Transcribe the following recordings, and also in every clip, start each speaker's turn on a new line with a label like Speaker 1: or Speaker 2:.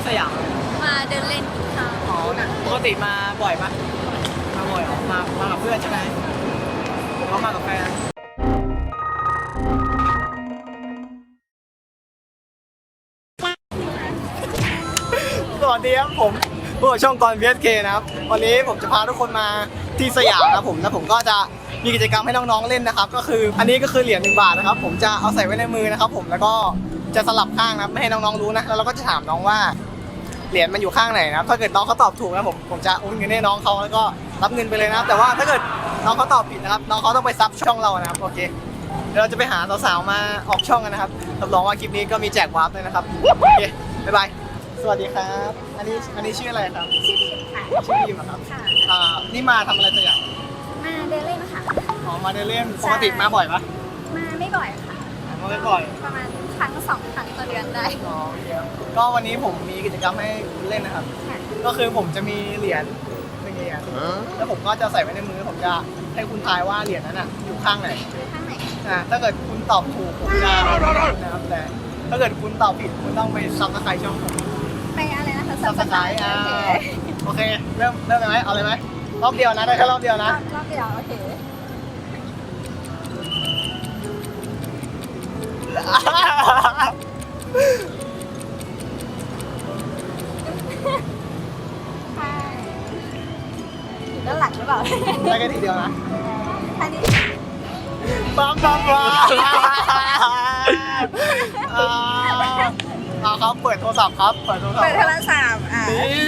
Speaker 1: สยาม
Speaker 2: มาเดินเล่นกินข้าว
Speaker 1: อ๋อปกติมาบ่อยปะมาบ่อยเหรอมากับเพื่อนใช่ไหมหรือว่ามากับแฟนสวัสดีครับผมผู้ช่องกร VSK นะครับวันนี้ผมจะพาทุกคนมาที่สยามนะผมแล้วผมก็จะมีกิจกรรมให้น้องๆเล่นนะครับก็คืออันนี้ก็คือเหรียญ1 บาทนะครับผมจะเอาใส่ไว้ในมือนะครับผมแล้วก็จะสลับข้างนะไม่ให้น้องๆรู้นะแล้วเราก็จะถามน้องว่าเหรียญมันอยู่ข้างไหนนะถ้าเกิดน้องเขาตอบถูกนะผมจะโอนเงินให้น้องเขาแล้วก็รับเงินไปเลยนะแต่ว่าถ้าเกิดน้องเขาตอบผิดนะครับน้องเขาต้องไปซับช่องเรานะครับโอเคเดี๋ยวเราจะไปหาสาวๆมาออกช่องกันนะครับรับรองว่าคลิปนี้ก็มีแจกวาร์ปด้วยนะครับโอเคบ๊ายบายสวัสดีครับอันนี้ชื่ออะไรครับ
Speaker 2: ชื่อบีมค่ะ
Speaker 1: ชื่อบีมครับ
Speaker 2: ค่ะ
Speaker 1: นี่มาทำอะไรสักอย่าง
Speaker 2: มาเดินเล่นค่ะ
Speaker 1: อ๋อมาเดินเล่นปกติมาบ่อยปะ
Speaker 2: มาไม่บ่อยค่ะ
Speaker 1: มาไม่บ่อย
Speaker 2: ประมาณครั้ง2 ครั้งต่อเดือนได้
Speaker 1: อ๋อเยอะก็วันนี้ผมมีกิจกรรมให้คุณเล่นนะครับก็คือผมจะมีเหรียญ1 เหรียญแล้วผมก็จะใส่ไว้ในมือผมจะให้คุณทายว่าเหรียญนั้นอยู่ข้างไหน
Speaker 2: ข้างไหน
Speaker 1: ถ้าเกิดคุณตอบถูกผมจะนะครับแต่ถ้าเกิดคุณตอบผิดคุณต้องไปซับสไครต์ช่องผม
Speaker 2: ไปอะไรนะคะ
Speaker 1: ซับสไครต์โอเคเริ่มเลยไหมเอาเลยไหมรอบเดียวนะได้แค่รอบเดียวนะ
Speaker 2: รอบเดียวโอเคใช่ด้านหลังหรือเปล่า
Speaker 1: ได้แค่ทีเดียวนะ
Speaker 2: อันนี้
Speaker 1: ปั๊มครับเปิดโทรศัพท์ครับเปิดโทรศัพท์นี่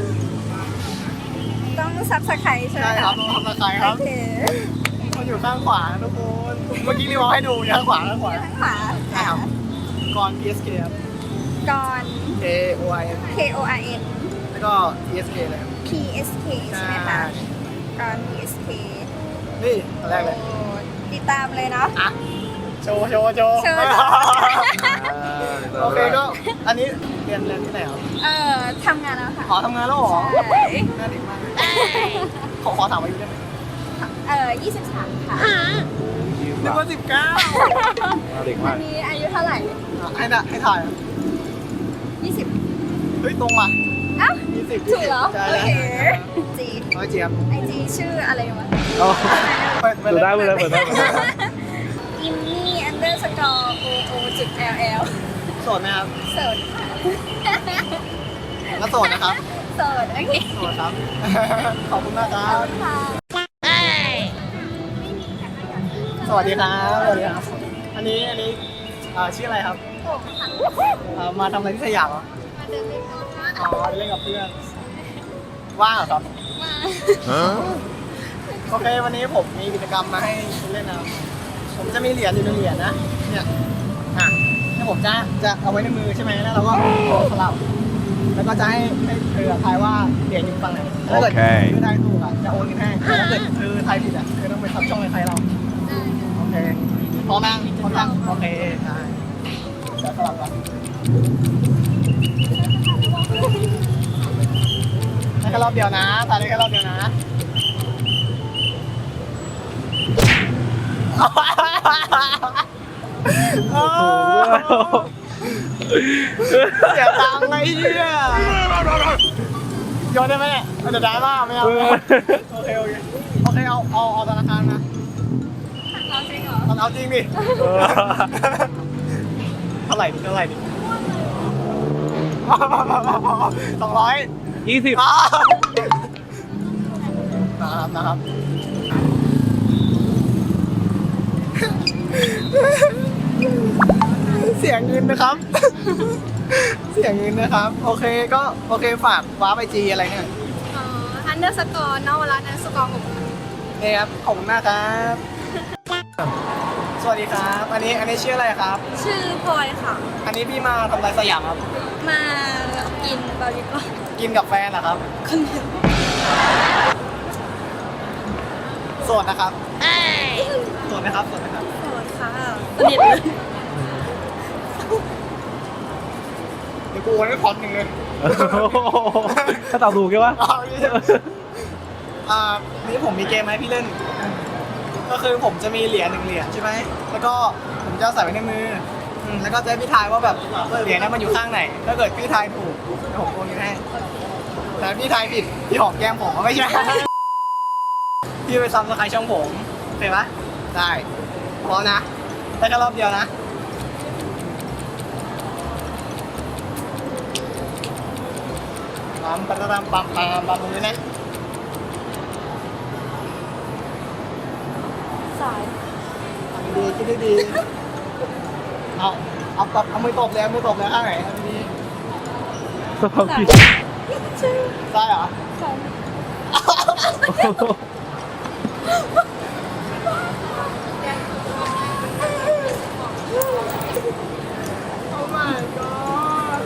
Speaker 2: ต้องซับสไครต์ใช่ไหม
Speaker 1: ใช่ครับต้องซับสไครต์ครับมันอยู่ข้างขวาทุกคนเมื่อกี้รีวิวให้ดูอยู่ข้างขวา
Speaker 2: ข้างขวา
Speaker 1: ใช่ครับกร PSK ครับ
Speaker 2: กร
Speaker 1: KORN แล้วก็ PSK เลย
Speaker 2: PSK ใช่ไหมคะกร PSK
Speaker 1: นี่อันแรกเลย
Speaker 2: ติดตามเลยเนาะ
Speaker 1: โชว์โอเคก็อันนี้เรียนที่ไหนครับ
Speaker 2: ทำงานแล้วค่ะ
Speaker 1: ขอทำงานแล้วหรอ
Speaker 2: ใช่
Speaker 1: น่าดีมากขอถามอายุได้ไหม
Speaker 2: 23ค่ะ
Speaker 1: นึกว่า19
Speaker 3: เด็กมาก
Speaker 2: อันนี้อายุเท่าไหร่
Speaker 1: ให้ถ่าย
Speaker 2: 20
Speaker 1: เฮ้ยตรงมา
Speaker 2: 20ถูกเหรอโอเคจี
Speaker 1: เจี๊ยบ
Speaker 2: ไอจีชื่ออะไรวะ
Speaker 3: ดูได้
Speaker 2: อิมมี่_oo.ll
Speaker 1: โสดไหมครับ
Speaker 2: โสดค่ะ
Speaker 1: ก็โสดนะครับ
Speaker 2: โสดโอเค
Speaker 1: โสดครับขอบคุณมากครับสวัสดีครับอันนี้ชื่ออะไรครับมาทำอะไรที่สยามเหรอ
Speaker 2: มาเดินเล่นกับเพื่อน
Speaker 1: เล่นกับเพื่อนว่างเหรอครับโอเควันนี้ผมมีกิจกรรมมาให้คุณเล่นนะผมจะมีเหรียญอยู่1 เหรียญนะเนี่ยที่ผมจะเอาไว้ในมือใช่ไหมแล้วเราก็สลับแล้วก็จะให้เธอทายว่าเหรียญอยู่ฝั่งไหนถ้าเกิดเธอทายถูกจะโอนเงินให้ถ้าเกิดเธอทายผิดเธอต้องไปซับช่องในใครเราโอเคพร้อมยังโอเคได้จะสลับกันได้แค่รอบเดียวนะทายได้แค่รอบเดียวนะเสียตังค์ไงเฮียโยนได้ไหมเนี่ยเดี๋ยวได้ป่ะไม่เอาโอเคเอาธนาคารนะเอาจริงดิเท่าไหร่ดิ220นะครับเสียงเงินนะครับโอเคฝากว้าไปจีอะไรเนี่ย
Speaker 2: _นวรัตน์_
Speaker 1: นี่ครับขอบคุณมากครับสวัสดีครับอันนี้ชื่ออะไรครับ
Speaker 2: ชื่อพลอยค่ะ
Speaker 1: อันนี้พี่มาทำอะไรสยามครับ
Speaker 2: มากินบาร์บีคิว
Speaker 1: กินกับแฟนเหรอครับ
Speaker 2: คนเดียว
Speaker 1: โสดนะครับโสดนะครับ
Speaker 2: โสดค่ะสนิทเลย
Speaker 1: เดี๋ยวกูโอนให้พร้อม1เลย
Speaker 3: ถ้าตอบถูกใช่ปะ
Speaker 1: นี่ผมมีเกมให้พี่เล่นก็คือผมจะมีเหรียญ1 เหรียญใช่ไหมแล้วก็ผมจะใส่ไว้ในมือแล้วก็จะให้พี่ทายว่าแบบเหรียญนั้นมันอยู่ข้างไหน ถ้าเกิดพี่ทายถูกเดี๋ยวผมโอนเงินให้แต่พี่ทายผิดพี่หอมแก้มผมไม่ใช่ พี่ไปซ้ำสไครช่องผมโอเคปะได้พร้อมนะได้แค่รอบเดียวนะปั๊มปั๊มปั๊มปั๊มปั๊มตรงนี้นะ
Speaker 2: สาย
Speaker 1: ดีคิดได้ดีเอาตบเอามือตบเลยมือตบเลยข้างไหนเอาดี
Speaker 3: สภาพผิด
Speaker 1: ใช่เหรอ
Speaker 2: สาย
Speaker 1: โอ้ my god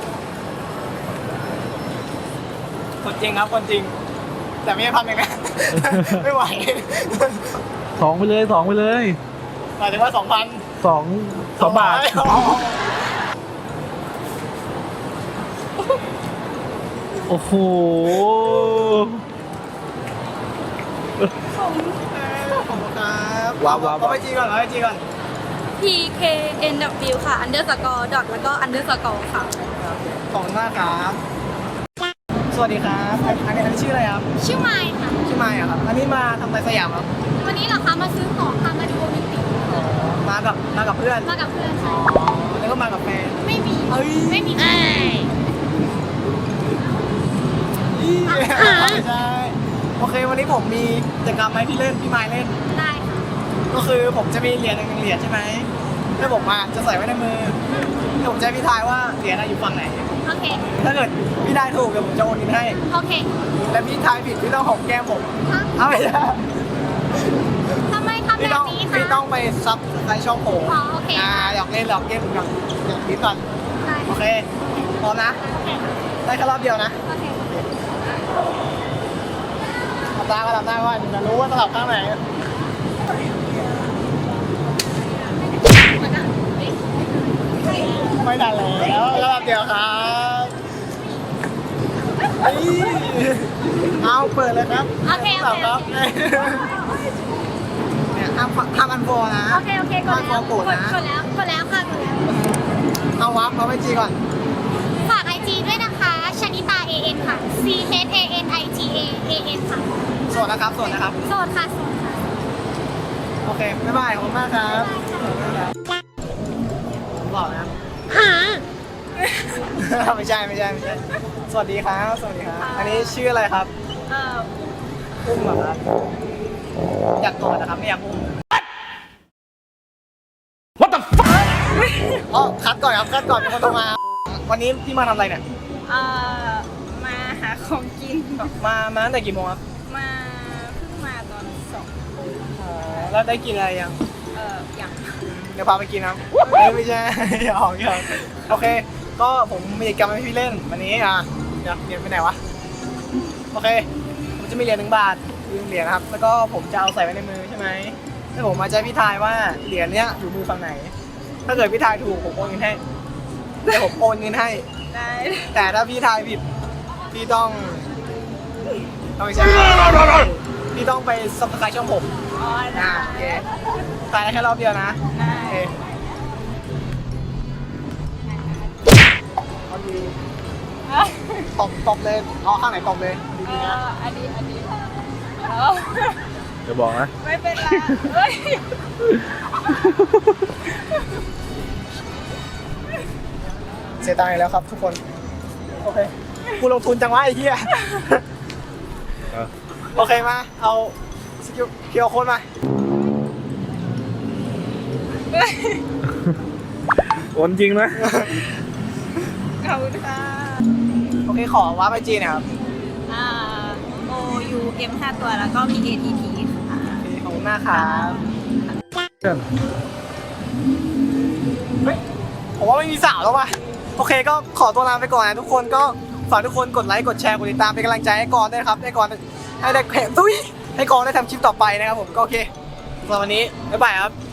Speaker 1: คนจริงครับคนจริง แต่ไม่ใช่พันหนึ่งนะ ไม่ไหว
Speaker 3: สองไปเลยสองไปเลย
Speaker 1: หมายถึงว่า2,000
Speaker 3: สองบาท โอ้โห
Speaker 1: ขอบคุณครับ
Speaker 3: ว้าว
Speaker 1: เอาไปจีก่อนเอาไปจีก่อน
Speaker 2: PKNW ค่ะ underscore dot แล้วก็ underscore ค่ะ
Speaker 1: ขอบคุณมากครับ สวัสดีครับอันนี้ชื่ออะไรครับ
Speaker 2: ชื่อไมค์ค่ะ
Speaker 1: ชื่อไมค์อะครับ อันนี้มาทำอะไรสยามครับ
Speaker 2: วันนี้เหรอคะมาซื้อของค่ะมาดูโอลิมปิก
Speaker 1: มากับเพื่อน
Speaker 2: มากับเพื่อนใช่
Speaker 1: แล้วก็มากับแฟน
Speaker 2: ไม่มี
Speaker 1: เอ้ย
Speaker 2: ไม่มีใคร
Speaker 1: ไม่ใช่โอเควันนี้ผมมีกิจกรรมให้พี่เล่นพี่ไมค์เล่น
Speaker 2: ได้ค่ะ
Speaker 1: ก็คือผมจะมีเหรียญหนึ่งเหรียญใช่ไหมแล้วผมจะใส่ไว้ในมือแล้วผมจะให้พี่ทายว่าเหรียญอยู่ฝั่งไหน
Speaker 2: โอเค
Speaker 1: ถ้าเกิดพี่ทายถูกเดี๋ยวผมจะโอนเงินให้
Speaker 2: โอเค
Speaker 1: และพี่ทายผิดพี่ต้องหอมแก้มผม
Speaker 2: ฮะ
Speaker 1: เอาไม่ใช่
Speaker 2: ทำไมทำแบ
Speaker 1: พี่
Speaker 2: บ
Speaker 1: ต้อง
Speaker 2: นี้
Speaker 1: พี่
Speaker 2: คะ
Speaker 1: ต้องไปซับในช่องผม
Speaker 2: อ๋อโอเค
Speaker 1: อยากเล่นหยอกเล่นผมอยากนิดก่อน
Speaker 2: ได้
Speaker 1: โอเคพร้อมนะ
Speaker 2: โอเค
Speaker 1: ได้แค่รอบเดียวนะ
Speaker 2: โอเค
Speaker 1: หลับตาก็หลับตาก่อนจะรู้ว่าสลับข้างไหนไม่ทันแล้วรอบเดียวครับเฮ้ยเอาเปิดเลยครับ
Speaker 2: โอเค
Speaker 1: สามครับเนี่ยห้ามอันโฟนะ
Speaker 2: โอเค โอเคกดแล้ว
Speaker 1: กดนะ
Speaker 2: กดแล้วกดแล้วค่ะกดแล้ว
Speaker 1: เอาวับเอาไปจีก่อน
Speaker 2: ฝาก IG ด้วยนะคะชนิตา AN ค่ะ CHANITA AN ค่ะ
Speaker 1: สวัสดีนะครับสวัสดีนะครับ
Speaker 2: โสดค่ะโสดค่ะ
Speaker 1: โอเค บ๊ายบาย ขอบคุณมากครับผมบอกนะ
Speaker 2: หา
Speaker 1: ไม่ใช่ สวัสดีครับ สวัสดีครับ อันนี้ชื่ออะไรครับ อุ้มเหรอครับ อยากกอดนะครับ ไม่อยากอุ้ม What the fuck อ๋อคัดก่อนครับ คัดก่อนมีคนโทรมา วันนี้พี่มาทำอะไรเนี่ย
Speaker 4: มาหาของกิน
Speaker 1: มาตั้งแต่กี่โมงครับ
Speaker 4: มาเพิ่งมาตอน2
Speaker 1: อ๋อ แล้วได้กินอะไรยัง
Speaker 4: อย่าง
Speaker 1: เดี๋ยวพาไปกินนะไม่ใช่ หยอกโอเค ก็ผมมีกิจกรรมให้พี่เล่นวันนี้เดี๋ยวเหรียญไปไหนวะ โอเค ผมจะมีเหรียญ1 บาท1 เหรียญนะครับ แล้วก็ผมจะเอาใส่ไว้ในมือใช่ไหมแล้วผมมาจะให้พี่ทายว่าเหรียญเนี้ยอยู่มือฝั่งไหน ถ้าเกิดพี่ทายถูกผมโอนเงินให้เดี๋ยวผมโอนเงินให้
Speaker 4: ได้
Speaker 1: แต่ถ้าพี่ทายผิดพี่ต้องไม่ใช่พี่ต้องไปซับสไครต์ช่องผม
Speaker 4: อ๋อได้
Speaker 1: โอเคตายได้แค่รอบเดียวนะ
Speaker 4: ได้
Speaker 1: โอเคเอาดีตบเลยเอาข้างไหนตบเลยดีๆนะ
Speaker 4: อันนี้
Speaker 3: เดี๋ยวบอกนะ
Speaker 4: ไม่เป็นไรเฮ้ย
Speaker 1: เสียตังค์อีกแล้วครับทุกคน โอเคกูลงทุนจังวะไอ้เหี้ย โอเคมา เอาสกิลเคียวโค้ดมา
Speaker 3: โอนจริงนะ
Speaker 4: ขอบคุณค่ะ
Speaker 1: โอเคขอวาร์ปไอจีหน่อยครับ
Speaker 4: OUM 5 ตัวแล้วก็มี ATT ค่ะ
Speaker 1: โอเคขอบคุณมากครับเฮ้ยผมว่าไม่มีสาวแล้วว่ะ โอเคก็ขอตัวลาไปก่อนนะทุกคนก็ฝากทุกคนกดไลค์กดแชร์กดติดตามเป็นกำลังใจให้กรด้วยนะครับให้กรให้ได้แข่งตุ้ยให้กรได้ทำคลิปต่อไปนะครับผมก็โอเคสำหรับวันนี้บ๊ายบายครับ